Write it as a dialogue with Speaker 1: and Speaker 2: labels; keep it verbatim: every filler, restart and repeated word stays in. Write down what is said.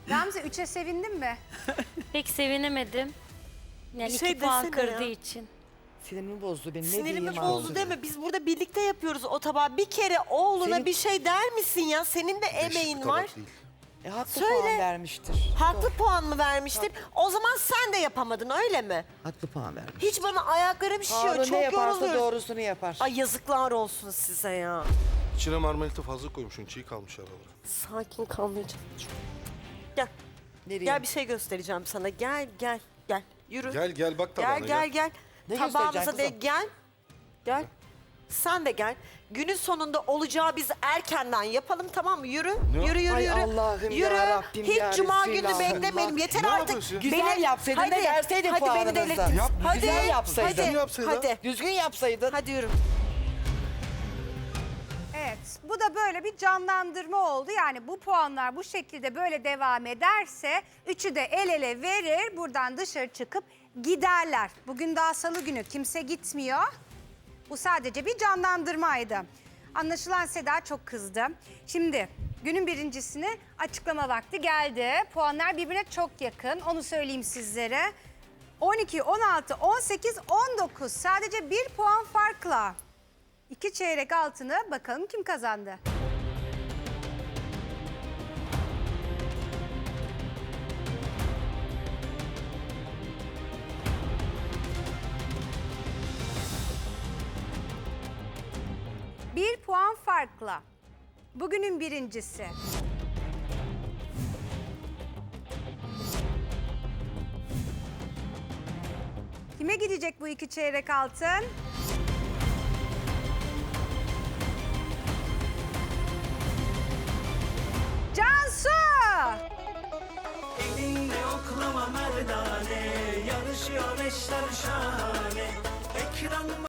Speaker 1: Gamze üçe sevindin mi?
Speaker 2: Pek sevinemedim. Yani
Speaker 3: Bir şey
Speaker 2: iki puan
Speaker 3: desene
Speaker 2: kırdığı
Speaker 3: ya.
Speaker 2: için.
Speaker 4: Sinirimi bozdu benim. Ne
Speaker 3: Sinirimi
Speaker 4: diyeyim
Speaker 3: bozdu
Speaker 4: ağzına?
Speaker 3: deme. Biz burada birlikte yapıyoruz o tabağı. Bir kere oğluna
Speaker 4: Senin-
Speaker 3: bir şey der misin ya? Senin de emeğin var.
Speaker 4: E, haklı
Speaker 3: Söyle.
Speaker 4: puan vermiştir.
Speaker 3: Haklı puan mı vermiştir? O zaman sen de yapamadın öyle mi?
Speaker 4: Haklı puan vermiş.
Speaker 3: Hiç bana ayaklarım şişiyor.
Speaker 4: Harun ne
Speaker 3: Çok
Speaker 4: yaparsa
Speaker 3: yoruluyorum.
Speaker 4: doğrusunu yapar.
Speaker 3: Ay yazıklar olsun size ya.
Speaker 5: İçine marmelita fazla koymuşsun. Çiğ kalmış aralara.
Speaker 3: Sakin kalmayacağım. Gel.
Speaker 4: Nereye?
Speaker 3: Gel bir şey göstereceğim sana. Gel gel gel. Yürü.
Speaker 5: Gel gel bak tabağına
Speaker 3: Gel gel gel.
Speaker 4: Ne
Speaker 3: Tabağımıza
Speaker 4: göstereceksin
Speaker 3: de
Speaker 4: kızım?
Speaker 3: gel. Gel. Sen de gel. Günün sonunda olacağı biz erkenden yapalım tamam mı? Yürü.
Speaker 5: Ne?
Speaker 3: Yürü yürü
Speaker 4: Ay
Speaker 3: yürü.
Speaker 4: Allah'ım
Speaker 3: yürü.
Speaker 4: ya Rabbim
Speaker 3: Hiç
Speaker 4: ya
Speaker 3: cuma günü
Speaker 4: Resulallah.
Speaker 3: beklemeyelim. Yeter
Speaker 5: Ne
Speaker 3: artık.
Speaker 5: yapıyorsun?
Speaker 4: Güzel yapsaydın da verseydin
Speaker 3: hadi beni
Speaker 4: puanınızı.
Speaker 3: delirttin.
Speaker 4: Yap,
Speaker 3: hadi,
Speaker 4: güzel yapsaydın.
Speaker 3: Hadi,
Speaker 5: Düzgün yapsaydın.
Speaker 3: hadi.
Speaker 4: Düzgün yapsaydın.
Speaker 3: Hadi yürü.
Speaker 1: Evet, bu da böyle bir canlandırma oldu. Yani bu puanlar bu şekilde böyle devam ederse üçü de el ele verir, buradan dışarı çıkıp giderler. Bugün daha salı günü, kimse gitmiyor. Bu sadece bir canlandırmaydı. Anlaşılan Seda çok kızdı. Şimdi günün birincisini açıklama vakti geldi. Puanlar birbirine çok yakın, onu söyleyeyim sizlere. on iki, on altı, on sekiz, on dokuz sadece bir puan farkla. İki çeyrek altını bakalım kim kazandı? Bir puan farkla. Bugünün birincisi. Kime gidecek bu iki çeyrek altın? Cansu!
Speaker 6: Elinde oklama merdane, yarışıyor eşler şahane. Ekran